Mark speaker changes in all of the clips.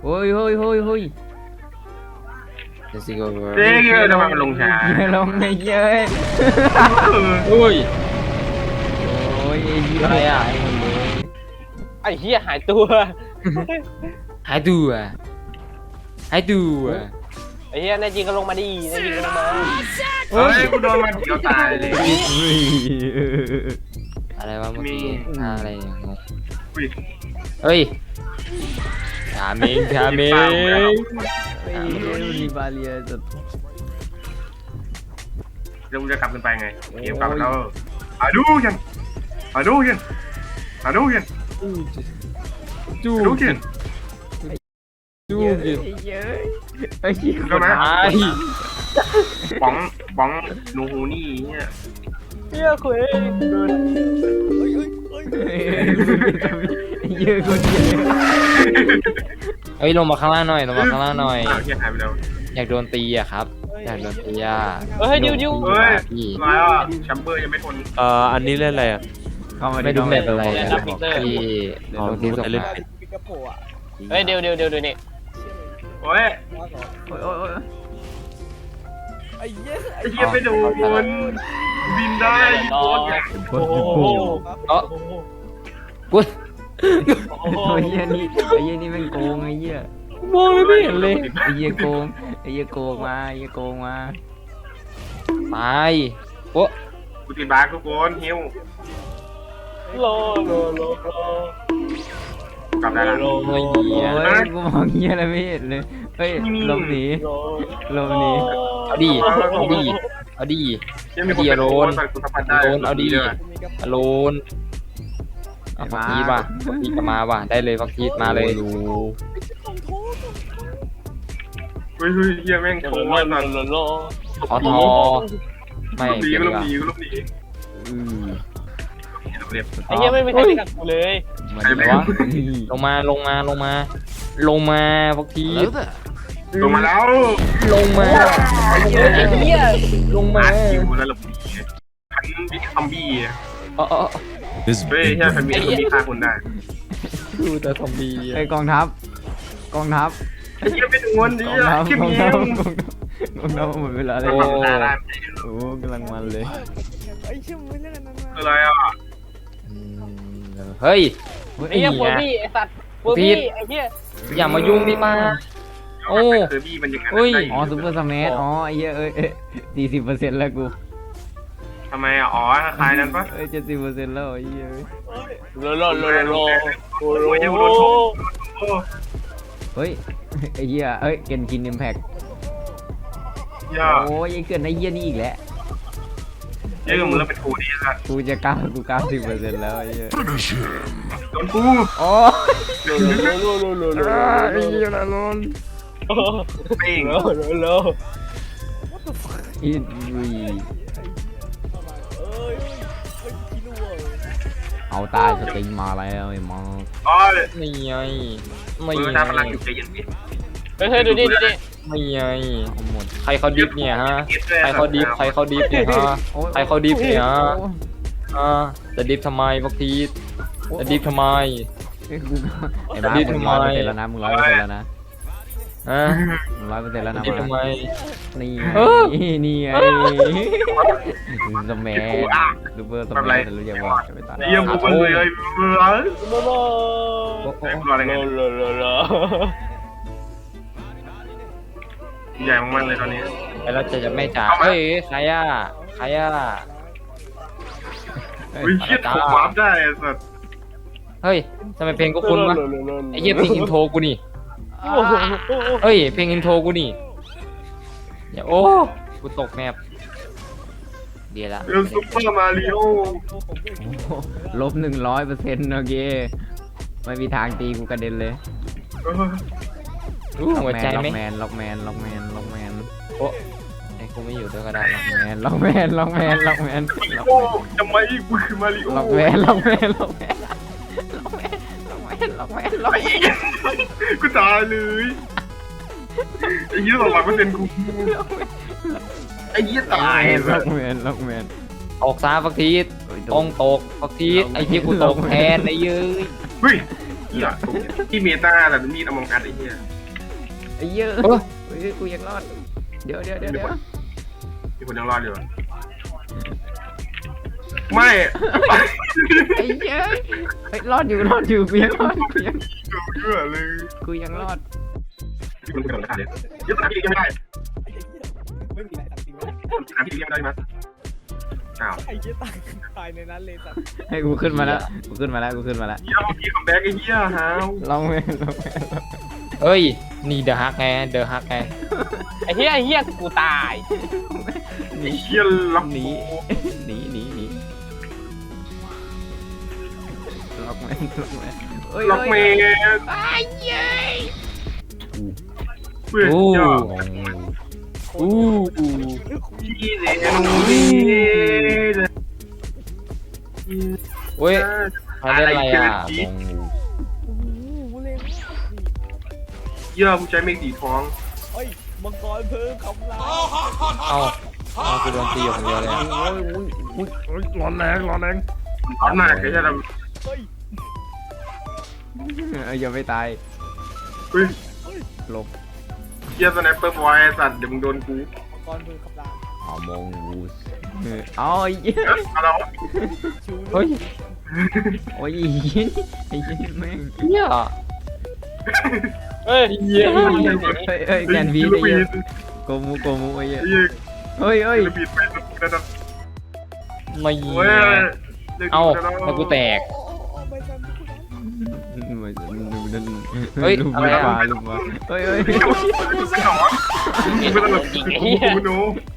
Speaker 1: โอ้ยเฮ้ยเฮ้ยเฮ้ย
Speaker 2: Let's go
Speaker 3: เจ๊เยอะทำไมมันลงช้า
Speaker 1: เยอะลงไงเยอะ
Speaker 2: โอ้ย
Speaker 1: โอ้ยไอ้เหี้ย
Speaker 2: อะไรอะ
Speaker 1: ตายหมดเลย
Speaker 4: ไอ้เหี้ยหายตัว
Speaker 2: หายตัวหายตัว
Speaker 4: ไอ้เหี้ยแน่จริงก็ลงมาดิแน่จริงก็ลงมา
Speaker 3: เฮ้ยกูโดนมันเดียวตายเลย
Speaker 1: เฮ้ย
Speaker 2: อะไรวะเมื่อกี้
Speaker 3: มี
Speaker 2: อะไรเนี่ยงง
Speaker 3: อุ้ย
Speaker 2: เฮ้ยชาเมงชาเมง
Speaker 1: ไอ้เหี้ยมีบาเรียสุด
Speaker 3: เดี๋ยวมึงจะกลับกันไปไงเกมกลับแล้วอาดูยังอาดูยังอาดูยัง
Speaker 2: จู
Speaker 3: อาดูยัง
Speaker 2: จู
Speaker 1: เยอะ
Speaker 2: กิน
Speaker 1: เยอะไอ้เหี้ย
Speaker 3: ก็ไหม
Speaker 2: ตาย
Speaker 3: ป๋องป๋องหนูหูนี่เนี่ย
Speaker 4: เหี้ยคุย
Speaker 1: เยอะคนเยอะ
Speaker 2: เฮ้ยลงมาข้างล่างหน่อยลงมาข้างล่างหน่อย
Speaker 3: อ้าวเฮียหายไปแล้ว
Speaker 2: อยากโดนตีอะครับอยากโดนตีอะ
Speaker 4: เฮ้ยดิวดิว
Speaker 3: เฮ้ย
Speaker 2: พี่
Speaker 3: มาแล้วอ่ะแชมเบอร์ยังไม่ทน
Speaker 5: อันนี้เล่นอะไรอ่ะ
Speaker 1: เข้ามา
Speaker 2: ไม่ดูแบบอะไร
Speaker 1: เล่น
Speaker 2: นะ
Speaker 1: นะ
Speaker 2: พี่ลงที่ส่ง
Speaker 5: เล่น
Speaker 2: มา
Speaker 5: เป็น
Speaker 4: เฮ้ยเดี๋ยวนี่
Speaker 3: โอ้ย
Speaker 1: โอ้ยโอ้ยโอ้ย
Speaker 3: ไอ้เฮียไปโดนบินได้โคตรใหญ่
Speaker 1: โอ้โห
Speaker 2: เอ้อกู
Speaker 4: โอ้โห
Speaker 1: ไอ้เหี้ยนี่ไอ้เหี้ยนี่แม่งโกงไอ้เหี้ย
Speaker 2: มองเลยไม่เห็นเลย
Speaker 1: ไอ้เหี้ยโกงไอ้เหี้ยโกงมาไอ้เหี้ยโกงมา
Speaker 2: ตายโอ้
Speaker 3: กูติดบาร์ทุกคนฮิว
Speaker 4: โล
Speaker 3: กลับได้แล้ว
Speaker 2: ไม่เหี้ย
Speaker 1: โอ้ยกูมองเหี้ยอะไรไม่เห็นเลยเฮ้ยหลบหนีหลบหนี
Speaker 2: เอาดิเอาดิเอาดิ
Speaker 3: ยังมีคนเป็นโดนกูสัมผัสได้
Speaker 2: โดนเอาดิอโลนเอาฟักทีป่ะฟักทีก็มาว่ะได้เลยฟักทีมาเลย
Speaker 3: เฮ้ยเฮียแม่งโชว์ว่าสัน
Speaker 4: โล
Speaker 2: ขอทอไม่
Speaker 3: ลูกหนี
Speaker 2: เก็บ
Speaker 3: ก็
Speaker 2: ดี
Speaker 3: ลู
Speaker 2: ก
Speaker 3: ก
Speaker 2: ว่า
Speaker 3: หนีก็ลูกหนีเรียบ
Speaker 4: ไอ้เหี้ยไม่มีใครไปกับกูเลย
Speaker 1: มา
Speaker 3: ใคร
Speaker 1: ดิ
Speaker 3: ไม่
Speaker 1: วะ
Speaker 2: ลงมาฟักที
Speaker 3: ลงมาแล้ว
Speaker 2: ลงมา
Speaker 4: ไอ้เหี้ย
Speaker 2: ลงมา
Speaker 3: มาคิวแล้วหลบหนีพันบิ๊กคัมบี้
Speaker 2: เออ
Speaker 3: เฮ้ยใช่พันบิ๊กคัมบี้ฆ่าคนได้
Speaker 2: ดูแต่ซอมบี้
Speaker 1: ไอ้ยกองทัพกองทัพ
Speaker 3: ไอ้เหี้ยเป็นงวนดิ
Speaker 1: กองทัพ
Speaker 3: คิม
Speaker 1: กอง
Speaker 3: ยิ
Speaker 1: ทัพ
Speaker 3: ง
Speaker 1: กองทัพหมดเวลาเลย
Speaker 3: โอ้
Speaker 1: โอ้กำลังมันเลย
Speaker 3: อะไรอ่ะ
Speaker 2: เฮ้ย
Speaker 4: ไอ้เหี้ยโฟบี้ไอ้สัตว์โฟบี้ไอ้เหี้ย
Speaker 2: อย่ามายุ่งดิป้า โอ้
Speaker 3: เซอร์บี้มันยังไง
Speaker 1: อ๋อซูเปอร์สแมทอ๋อไอ้เหี้ย40%แล้วกู
Speaker 3: ทำไมอ่ะอ๋อคลายนั้นปะ
Speaker 1: 70%แล้วไอ้เหี้ย
Speaker 4: โล
Speaker 1: เฮ้ยไอ้เหี้ยเอ้ยเกนกินอิมแพค
Speaker 3: ย่า
Speaker 1: โอ้ยไอ้เกินไอ้เหี้ยนี่อีกแล้ว
Speaker 3: เยอะมึงแล้วเป็นทูดีสัตว์
Speaker 1: กูจะ90%แล้วไอ้เหี้ย
Speaker 3: โดนกู
Speaker 1: อ๋อ
Speaker 4: โล
Speaker 1: ไอ้เหี้ยละลน
Speaker 3: เป่ง
Speaker 4: โล
Speaker 1: อินวีเอาตายสติงมาแล้วไอ้มอ
Speaker 3: อ๋อ
Speaker 2: ไม่ไงไม่
Speaker 3: มือ
Speaker 2: ไง
Speaker 3: ตาพลังอยู่ใจเย็นดิ
Speaker 4: เฮ้ยดูดิ
Speaker 2: ไม่ไงหมดใครเขาดิฟเนี่ยฮะใครเขาดิฟเนี่ยฮะใครเขาดิฟเนี่ยฮะจะดิฟทำไมพวกทีจะดิฟทำไม
Speaker 1: ไอ้บ้ามึง100%แล้วนะมึง100%แล้วนะ
Speaker 2: ฮะ
Speaker 1: มึง100%แล้วนะ
Speaker 2: ดิฟทำไม
Speaker 1: นี่
Speaker 2: เออ
Speaker 1: นี่ไงสแมัซูเปอร์สแมัรู้จักว่าจะไปตัด
Speaker 3: เยี่ยมกูเลยเบื่อ
Speaker 4: โล
Speaker 3: อะไรเงี้ย
Speaker 4: โล
Speaker 3: ใหญ่มากเลยตอนนี้
Speaker 2: แล้วจะไม่จ่าเฮ้ยใครอ่ะ
Speaker 3: วิชิตถูกวาร์ปได้สัตว์
Speaker 2: เฮ้ยทำไมเพลงก็คุ้นวะไอ้เหี้ยเพลงอินโทรกูนี่เฮ้ยเพลงอินโทรกูนี่อย่าโอ้กูตกแมปเดี๋ยวละ
Speaker 3: เรื่องซุปเปอร์มาริโอ
Speaker 1: ลบ100%โอเคไม่มีทางตีกูกระเด็นเลย
Speaker 2: หัวใจไหม
Speaker 1: ล็อกแมน
Speaker 2: โอ้ไอ้กูไม่อยู่ด้วยก็ได้หรอก
Speaker 1: ล็อกแมน
Speaker 3: โอ้ทำไมกูคือมาริโอกูตายเลยไอ้ยี่200%กูไอ้ยี่ตาย
Speaker 1: ล็อกแมน
Speaker 2: ตกซาฟักทีต้องตกฟักทีไอ้ที่กูตกแทนไอ้ยื้อ
Speaker 3: เฮ้ยหี้ยที่เมตาแต่มีดอมองอัดไอ้เหี้ย
Speaker 1: ไอ้เหี้ย
Speaker 2: เออ
Speaker 1: เฮ้ยกูยังรอดเดี๋ยว
Speaker 3: มีคนยังรอดอยู่ไม่
Speaker 1: ไอ้เหี้ยเฮ้ยรอดอยู่กูยังรอด
Speaker 3: เยอะเลย
Speaker 1: กูยังรอด
Speaker 3: มีคนกระโดดขาเลยยึดสนามที่เลี้ยงไม่ได้
Speaker 5: ไม่มีอะไรตัดทิ้งไว้
Speaker 3: สนามที่เลี้ยงไม่ได้มั้ยอ้าว
Speaker 5: ไอ้เหี้ยตายในนั้นเลยสัตว์
Speaker 1: ให้กูขึ้นมาแล้ว
Speaker 3: เหี้ยมีคัมแบ็กไอ้เหี้ยฮาว
Speaker 1: ลองไป
Speaker 2: เฮ้ยนี่เดอะฮักไงเดอะฮักไง
Speaker 4: ไอ้เหี้ยกูตาย
Speaker 3: ไอ้เหี้ยล็อก
Speaker 1: หนีล็อกแมนเฮ้ย
Speaker 3: ล็อกเมย์
Speaker 1: ไอ้เหี้ย
Speaker 3: เพื่อน
Speaker 2: อู้
Speaker 3: ยอด
Speaker 2: อู้
Speaker 3: พี่เลี้ยงนี่
Speaker 2: เว้ยเขาเล่นอะไรอ่ะ
Speaker 5: โอ้โหเล่น
Speaker 3: เยอะผู้ใช้เมฆสีทอง
Speaker 5: เฮ้ยมังกรเพิ่มคำราม
Speaker 2: เอากูโดนตีอยู่คนเดียวเลย
Speaker 1: ร้อนแรง
Speaker 3: ร้อนมากไอ้เหี้ยเรา
Speaker 5: เฮ้ย
Speaker 1: อย่าไปตาย
Speaker 3: เฮ้ย
Speaker 1: หลบ
Speaker 3: เหี้ยสแนปเปอร์บอยสัตว์เดี๋ยวมึงโดนกู
Speaker 5: มังกรเพิ่มคำราม
Speaker 1: เอามงกูสเอาไอ้เหี้ย
Speaker 3: เอาแล้ว
Speaker 5: ชู
Speaker 2: เฮ้ย
Speaker 1: โอ้ยไอ้เหี้ยแม่ง
Speaker 2: เฮีย
Speaker 4: เฮ้ย
Speaker 2: เฮีย
Speaker 1: เฮ้ยแกนวีไอ้เหี้ยโกมูไอ้เหี้ย
Speaker 3: ไอ้เหี้ย
Speaker 1: เฮ้ย
Speaker 3: ลูบิดไปแล้วนะ
Speaker 2: ไม่
Speaker 3: เว้ย
Speaker 2: เอาแล้วกูแตก
Speaker 5: โอ้ไม่ทันกูนะ
Speaker 2: เฮ้ย
Speaker 1: ลูก
Speaker 2: อะไรอะ
Speaker 1: มาลูกมาเฮ้ย
Speaker 3: ไม่ต้องไม่ต้องกูโน้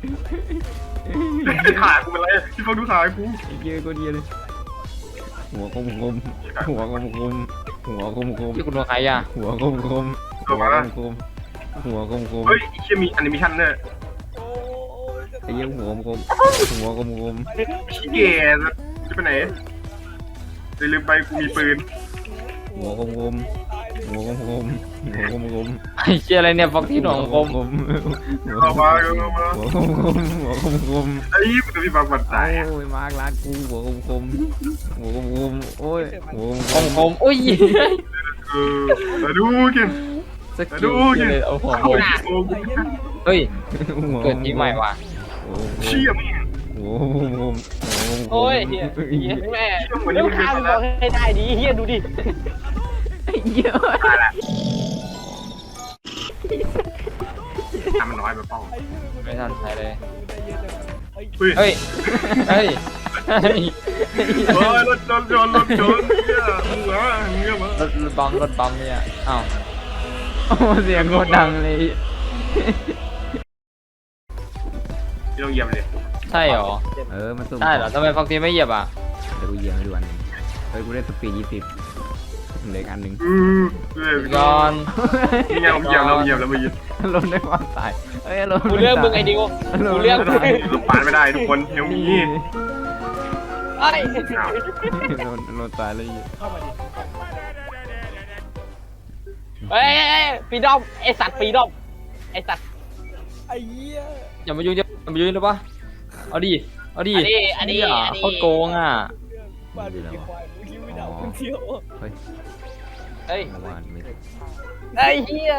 Speaker 3: ขากูเป็นไรที่เขาดูขากู
Speaker 1: ไอ้เหี้ยก็ดีเลยหัวคมหัวคม
Speaker 2: ที่กูโดนใครอ่ะ
Speaker 1: หัวคมหัวคม
Speaker 3: เฮ้ยเชี่ยมีแอนิเมชันเนี่ย
Speaker 5: โอ้ยจะ
Speaker 1: ไอ้เหี้ยหัวคม
Speaker 3: ขี้เกียจจะไปไหนลืมไปกูมีปืน
Speaker 1: หัวคม
Speaker 2: ไอ้เชี่ยอะไรเนี่ยฟอกที่หนองคม
Speaker 3: เอามาเอามา
Speaker 1: หัวคม
Speaker 3: ไอ้ยี่มันจะมีบางบัน
Speaker 1: โอ
Speaker 3: ตาย้
Speaker 1: ยมากร้านกูหัวคมโอ้ยหัว
Speaker 2: คมคมอุ้ย
Speaker 3: มาดูกิน
Speaker 2: สกิลเลยเอาหัวคมเฮ้ยเกิดที่ใหม่ว่ะ
Speaker 3: เชี่ยมึง
Speaker 1: หัวคม
Speaker 4: โอ้ยเหี้ยแม่เรื่องข้ามบอกให้ได้ดีเหี้ยดูดิ
Speaker 1: เยอะ
Speaker 3: ตายละทำมันน้อยไปป้อง
Speaker 5: ไอ้เหี้ย
Speaker 2: ไม่ทันใช้เลย
Speaker 5: ได้เยอะจังเฮ้ย
Speaker 3: เฮ้ย
Speaker 2: เฮ้ยเฮ้ย
Speaker 3: รถชนเนี่ยมึงวะมึงวะ
Speaker 2: รถบัมเนี่ยอ้าว
Speaker 1: โอ้เสียงโคตรดังเลย
Speaker 3: ที่ต้องเยี่ยมเลย
Speaker 2: ใช่เหรอ
Speaker 1: มันสุ่ม
Speaker 2: ใช่เหรอทำไมฟอกที่ไม่เหยียบอ่ะ
Speaker 1: เดี๋ยวกูเยี่ยมให้ดูอันนึงเฮ้ยกูได้สปีด20เหลืออันนึง
Speaker 2: ก่อน
Speaker 3: นี่ไงผมเยี่ยมแล้วเยี่ยมแล้วมายิน
Speaker 1: ลดได้ความตายเฮ้ยลด
Speaker 4: กูเลือกมึงไอ้ดิวกูเลือกมึง
Speaker 3: ปานไม่ได้ทุกคนเฮลมี
Speaker 4: ไอ้
Speaker 1: ลดตายเลย
Speaker 5: เข้ามาดิ
Speaker 4: เฮ้ยปีดอมไอสัตว์ปีดอมไอสัตว์
Speaker 5: ไอ้เหี้ย
Speaker 2: อย่ามายุ่งได้ปะเอาดิ
Speaker 4: อันนี้
Speaker 2: โคตรโกงอ่ะ
Speaker 5: มาดูกี่ควายมึงคิดไม่ได้คนเที่ยว
Speaker 1: เฮ้ย
Speaker 4: เฮ้ย
Speaker 1: เมื่อวานไม่
Speaker 4: ไอ้เหี้ย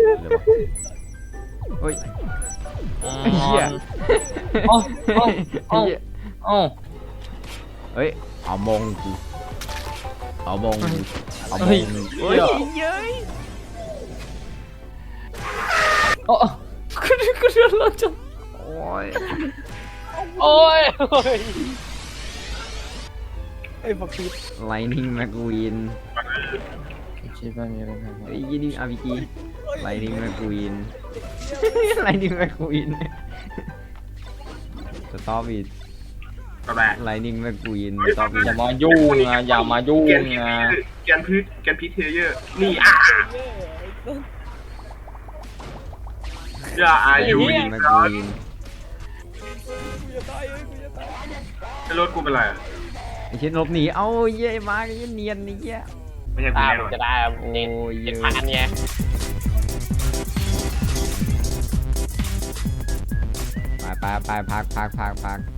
Speaker 1: เฮ้ย
Speaker 2: ไอ้เหี้ยเอ้าเอ้า
Speaker 1: เฮ้ยเอามงกูเอามงเอามง
Speaker 2: เฮ้ย
Speaker 1: เฮ้ยเย้ย
Speaker 2: อ๋อกูเดือดร้อนจัง
Speaker 1: โอ้ย
Speaker 4: โอ้ย
Speaker 5: ไอ้ฟักฟีด
Speaker 1: ไลนิ่งแมกวีน
Speaker 2: คิดว่ามีอะไร
Speaker 1: ไอ้ยี่นี่อาร์พีจีไลนิ่งแมกวีนไลนิ่งแมกวีนสต็อปอีก
Speaker 3: กระแบะ
Speaker 1: ไลนิ่งแมกวีนสต็อปอีก
Speaker 2: อย่ามายุ่งนะอย่ามายุ่งนะ
Speaker 3: แกนพีเทเยอร์นี่อย่าอายุ
Speaker 1: ไลนิ่งแมกวีน
Speaker 5: กูจะตายกูจะตาย
Speaker 3: ไอ้รถกูเป็นไร
Speaker 1: ไอ้เช่นลบหนีเอ้าเย้มาไอ้เนียนนี่เย้
Speaker 3: ไม่ใช่กู
Speaker 4: ตา
Speaker 3: แน่
Speaker 4: ม
Speaker 3: นอน
Speaker 4: จะได้
Speaker 1: โอ้
Speaker 4: เจ็ด
Speaker 1: ย
Speaker 4: เจ็ดพันไง
Speaker 1: ไปพัก